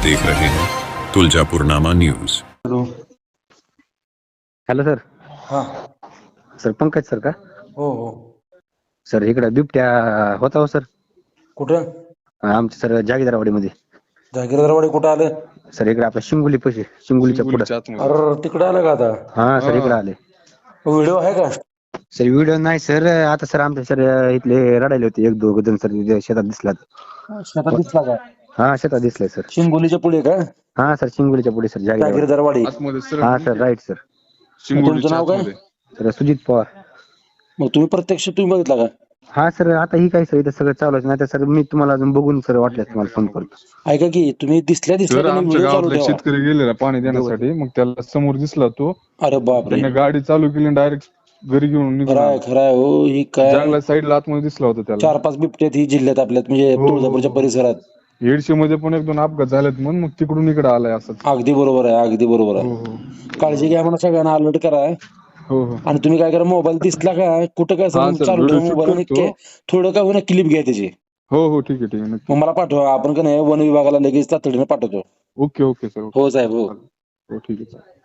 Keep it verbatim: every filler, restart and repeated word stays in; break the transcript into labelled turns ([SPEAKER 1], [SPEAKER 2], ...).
[SPEAKER 1] देख रहे हैं Tuljapurnama news.
[SPEAKER 2] Hello.
[SPEAKER 3] Hello sir.
[SPEAKER 2] हा.
[SPEAKER 3] सर पंकज सर का?
[SPEAKER 2] हो हो.
[SPEAKER 3] सर इकडे बिबट्या होता हो सर.
[SPEAKER 2] कुठं?
[SPEAKER 3] आमच्या सर जागीरवाडीमध्ये.
[SPEAKER 2] जागीरवाडी कुठं आलं?
[SPEAKER 3] सर इकडे आपल्या शिंगोली पैसे शिंगोलीच्या पुढे.
[SPEAKER 2] अरे तिकडे आलं का आता?
[SPEAKER 3] हा सर इकडे आले.
[SPEAKER 2] व्हिडिओ आहे का?
[SPEAKER 3] सर व्हिडिओ नाही सर. आता सर आमच्या सर इथले रडायले होते एक दोघ जण सर शेतात दिसला.
[SPEAKER 2] शेतात दिसला का?
[SPEAKER 3] हा शेतात दिसलाय सर.
[SPEAKER 2] शिंगोलीच्या पुढे का?
[SPEAKER 3] हा सर शिंगोलीच्या पुढे सर जागीरवाडी.
[SPEAKER 2] जागीरवाडी.
[SPEAKER 3] हा सर राईट सर.
[SPEAKER 2] तुमचं नाव काय?
[SPEAKER 3] सर सुजित पवार.
[SPEAKER 2] मग तुम्ही प्रत्यक्ष तुम्ही बघितला का?
[SPEAKER 3] हा सर आता ही काय सर इथं सगळं चालू आहे. नाही तर सर मी तुम्हाला अजून बघून सर वाटल्यास तुम्हाला फोन करतो.
[SPEAKER 2] ऐका की तुम्ही दिसल्या दिसल्या
[SPEAKER 4] तर
[SPEAKER 2] त्यांनी
[SPEAKER 4] आमच्या
[SPEAKER 2] व्हिडिओ चालू
[SPEAKER 4] गावातला
[SPEAKER 2] ठेवा.
[SPEAKER 4] शेतकरी गेलेला पाणी देण्यासाठी, मग त्याला समोर दिसला तो.
[SPEAKER 2] अरे बापरे.
[SPEAKER 4] त्याने गाडी चालू केली डायरेक्ट घरी घेऊन निघून
[SPEAKER 2] खराय
[SPEAKER 4] आला.
[SPEAKER 2] खराय हो. ही काय
[SPEAKER 4] जंगला साईडला आतमध्ये दिसला होता त्याला.
[SPEAKER 2] चार पाच बिबट्यात ही जिल्ह्यात आपल्यात म्हणजे
[SPEAKER 4] हो, हो,
[SPEAKER 2] तुळजापूरच्या
[SPEAKER 4] हो.
[SPEAKER 2] परिसरात.
[SPEAKER 4] येडशी मध्ये पण एक दोन अपघात झालेत म्हणून मग तिकडून इकडे आलाय असं.
[SPEAKER 2] अगदी बरोबर आहे. अगदी बरोबर
[SPEAKER 4] हो
[SPEAKER 2] आहे.
[SPEAKER 4] हो
[SPEAKER 2] काळजी घ्या म्हणून सगळ्यांना अलर्ट करा.
[SPEAKER 4] हो हो.
[SPEAKER 2] आणि तुम्ही काय करा, मोबाईल दिसला का कुठं काय
[SPEAKER 4] हा
[SPEAKER 2] सर
[SPEAKER 4] सर,
[SPEAKER 2] चालू
[SPEAKER 4] व्हिडिओ
[SPEAKER 2] ठेवा
[SPEAKER 4] शूट
[SPEAKER 2] मोबाईल आणि
[SPEAKER 4] करतो.
[SPEAKER 2] के- थोडं काय होईना क्लिप घ्या त्याची.
[SPEAKER 4] हो हो ठीक आहे ठीक आहे नक्की.
[SPEAKER 2] मग मला पाठवा. आपण का नाही वन विभागाला लगेच तातडीने पाठवतो.
[SPEAKER 4] Okay okay sir.
[SPEAKER 2] हो साहेब हो.
[SPEAKER 4] हो ठीक आहे.